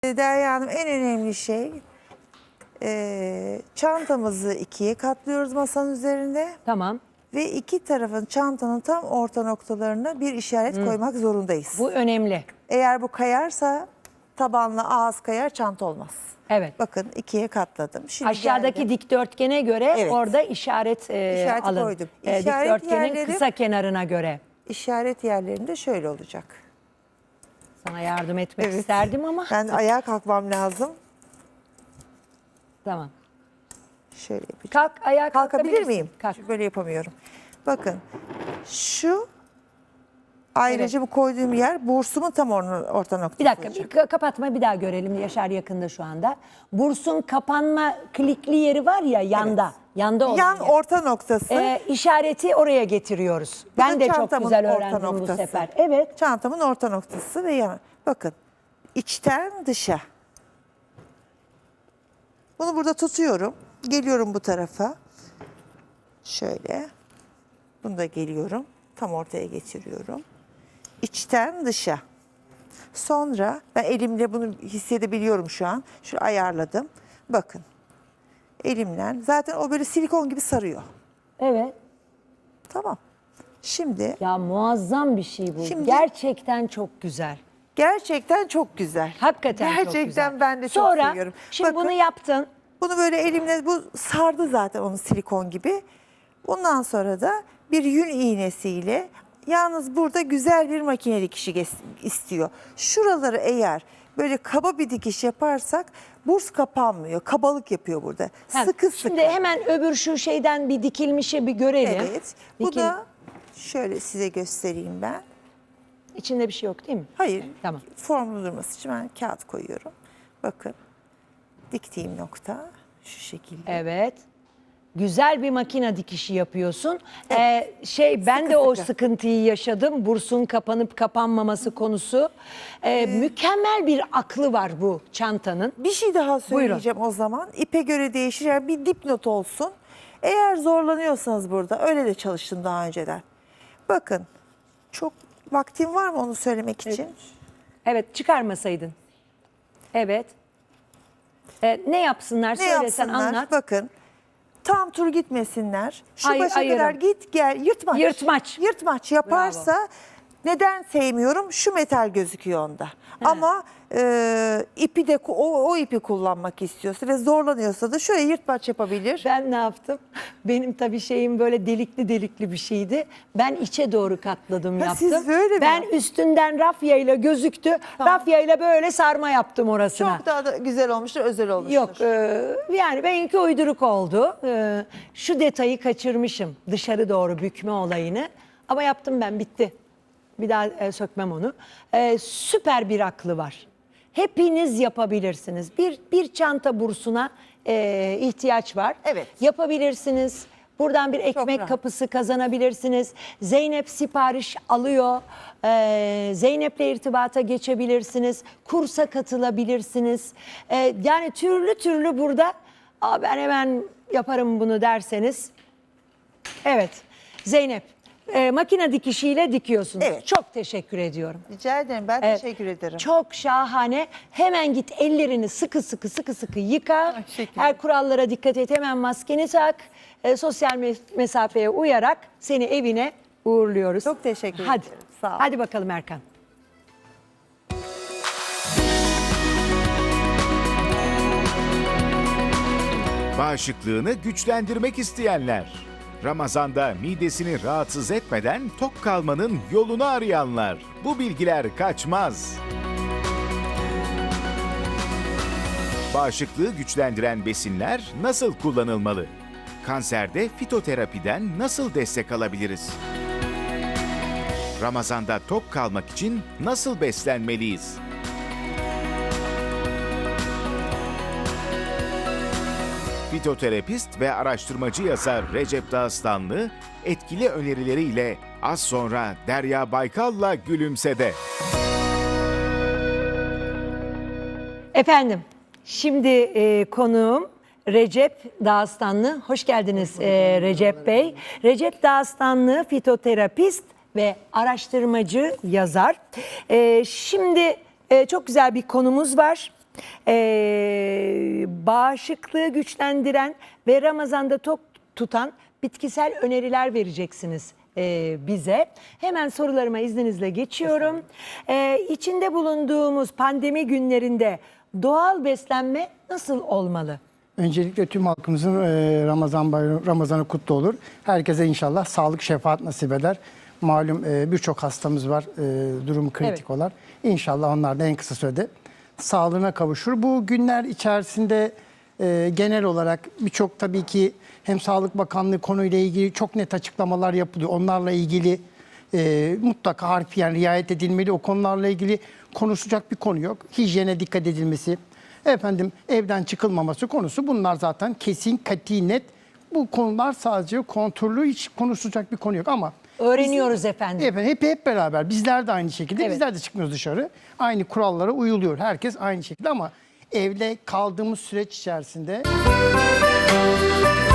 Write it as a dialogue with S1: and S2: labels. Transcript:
S1: Derya Hanım, en önemli şey çantamızı ikiye katlıyoruz masanın üzerinde
S2: Tamam.
S1: ve iki tarafın çantanın tam orta noktalarına bir işaret koymak zorundayız.
S2: Bu önemli.
S1: Eğer bu kayarsa tabanla ağız kayar, çanta olmaz.
S2: Evet.
S1: Bakın ikiye katladım. Şimdi
S2: Aşağıdaki
S1: geldim.
S2: dikdörtgene göre
S1: Evet.
S2: orada işaret
S1: İşareti
S2: alın.
S1: koydum. İşaret
S2: Dikdörtgenin
S1: yerleri-
S2: kısa kenarına göre.
S1: İşaret yerlerinde şöyle olacak.
S2: Sana yardım etmek
S1: Evet.
S2: isterdim ama.
S1: Ben ayağa kalkmam lazım.
S2: Tamam.
S1: Şöyle yapacağım.
S2: Kalk, ayağa
S1: Kalkabilir
S2: kalkabilirsin.
S1: miyim?
S2: Kalk.
S1: Çünkü böyle yapamıyorum. Bakın şu ayrıca bu koyduğum yer bursumun tam orta noktası
S2: Bir dakika,
S1: olacak.
S2: bir kapatma bir daha görelim. Yaşar yakında şu anda. Bursun kapanma klikli yeri var ya yanda.
S1: Evet.
S2: Yanda olan
S1: Yan
S2: yer.
S1: orta noktası.
S2: İşareti oraya getiriyoruz.
S1: Bu da
S2: Ben de çok
S1: çantamın
S2: güzel
S1: orta
S2: öğrendim bu
S1: noktası.
S2: sefer. Evet.
S1: Çantamın orta noktası ve yan. Bakın içten dışa. Bunu burada tutuyorum. Geliyorum bu tarafa. Şöyle. Bunu da geliyorum. Tam ortaya getiriyorum. İçten dışa. Sonra ben elimle bunu hissedebiliyorum şu an. Şöyle ayarladım. Bakın. Elimle. Zaten o böyle silikon gibi sarıyor.
S2: Evet.
S1: Tamam. Şimdi
S2: Ya muazzam bir şey bu.
S1: Şimdi-
S2: Gerçekten çok güzel.
S1: gerçekten çok güzel.
S2: Hakikaten çok güzel.
S1: Gerçekten ben de çok
S2: Sonra,
S1: seviyorum.
S2: şimdi
S1: Bakın,
S2: bunu yaptın.
S1: bunu böyle elimle bu sardı zaten onu silikon gibi. Bundan sonra da bir yün iğnesiyle yalnız burada güzel bir makine dikişi istiyor. Şuraları eğer böyle kaba bir dikiş yaparsak burs kapanmıyor. Kabalık yapıyor burada.
S2: Ha,
S1: Sıkı sıkı.
S2: Şimdi hemen öbür şu şeyden bir dikilmişe bir görelim.
S1: Evet. Bu da şöyle size göstereyim ben.
S2: İçinde bir şey yok değil mi?
S1: Hayır.
S2: Tamam.
S1: Formlu durması için ben kağıt koyuyorum. Bakın. Diktiğim nokta şu şekilde.
S2: Evet. Güzel bir makine dikişi yapıyorsun. Ben
S1: Sıkı
S2: de o
S1: sıkı.
S2: sıkıntıyı yaşadım. Bursun kapanıp kapanmaması konusu. Mükemmel bir aklı var bu çantanın.
S1: Bir şey daha söyleyeceğim o zaman. İpe göre değişir. Yani bir dipnot olsun. Eğer zorlanıyorsanız burada, öyle de çalıştım daha önceden. Bakın, çok vaktim var mı onu söylemek için?
S2: Evet, çıkarmasaydın. Evet. Ne yapsınlar?
S1: Ne
S2: Söylesen
S1: yapsınlar?
S2: anlat.
S1: Bakın, tam tur gitmesinler. Şu
S2: Hayır,
S1: başa
S2: ayırın.
S1: kadar git gel, yırtmaç.
S2: Yırtmaç.
S1: Yırtmaç yaparsa neden sevmiyorum? Şu metal gözüküyor onda. Ama ipi de o ipi kullanmak istiyorsa ve zorlanıyorsa da şöyle yırtmaç yapabilir.
S2: Ben ne yaptım? Benim tabii şeyim böyle delikli delikli bir şeydi. Ben içe doğru katladım
S1: Ha,
S2: yaptım.
S1: siz böyle mi
S2: Ben
S1: yaptınız?
S2: üstünden rafyayla gözüktü.
S1: Tamam.
S2: Rafyayla böyle sarma yaptım orasına.
S1: Çok daha da güzel olmuştur, özel olmuştur.
S2: Yok yani benimki uyduruk oldu. Şu detayı kaçırmışım. Dışarı doğru bükme olayını. Ama yaptım ben, bitti. Bir daha sökmem onu. Süper bir aklı var. Hepiniz yapabilirsiniz. Bir çanta bursuna ihtiyaç var.
S1: Evet.
S2: Yapabilirsiniz. Buradan bir ekmek
S1: rahat.
S2: kapısı kazanabilirsiniz. Zeynep sipariş alıyor. Zeynep'le irtibata geçebilirsiniz. Kursa katılabilirsiniz. Yani türlü türlü burada ben hemen yaparım bunu derseniz. Evet Zeynep makine dikişiyle dikiyorsunuz.
S1: Evet.
S2: Çok teşekkür ediyorum.
S1: Rica ederim, ben
S2: Evet.
S1: teşekkür ederim.
S2: Çok şahane. Hemen git ellerini sıkı sıkı yıka.
S1: Teşekkür
S2: Her kurallara dikkat et. Hemen maskeni tak. Sosyal mesafeye uyarak seni evine uğurluyoruz.
S1: Çok teşekkür
S2: Hadi.
S1: ederim. Sağ ol.
S2: Hadi bakalım Erkan.
S3: Bağışıklığını güçlendirmek isteyenler. Ramazanda midesini rahatsız etmeden tok kalmanın yolunu arayanlar. Bu bilgiler kaçmaz. Bağışıklığı güçlendiren besinler nasıl kullanılmalı? Kanserde fitoterapiden nasıl destek alabiliriz? Ramazanda tok kalmak için nasıl beslenmeliyiz? Fitoterapist ve araştırmacı yazar Recep Dağıstanlı etkili önerileriyle az sonra Derya Baykal'la Gülümse'de.
S2: Efendim, şimdi konuğum Recep Dağıstanlı. Hoş geldiniz Recep Bey. Recep Dağıstanlı fitoterapist ve araştırmacı yazar. Şimdi çok güzel bir konumuz var. Bağışıklığı güçlendiren ve Ramazan'da tok tutan bitkisel öneriler vereceksiniz bize. Hemen sorularıma izninizle geçiyorum. İçinde bulunduğumuz pandemi günlerinde doğal beslenme nasıl olmalı?
S4: Öncelikle tüm halkımızın Ramazan bayramı, Ramazan'ı kutlu olur. Herkese inşallah sağlık, şefaat nasip eder. Malum birçok hastamız var, durumu kritik
S2: Evet.
S4: olan. İnşallah onlar da en kısa sürede sağlığına kavuşur. Bu günler içerisinde genel olarak birçok tabii ki hem Sağlık Bakanlığı konuyla ilgili çok net açıklamalar yapılıyor. Onlarla ilgili mutlaka harfiyen riayet edilmeli. O konularla ilgili konuşacak bir konu yok. Hijyene dikkat edilmesi, efendim evden çıkılmaması konusu, bunlar zaten kesin, kati, net. Bu konular sadece kontrollü, hiç konuşulacak bir konu yok ama
S2: Öğreniyoruz efendim.
S4: efendim hep beraber bizler de aynı şekilde,
S2: Evet.
S4: bizler de çıkmıyoruz dışarı. Aynı kurallara uyuluyor. Herkes aynı şekilde ama evde kaldığımız süreç içerisinde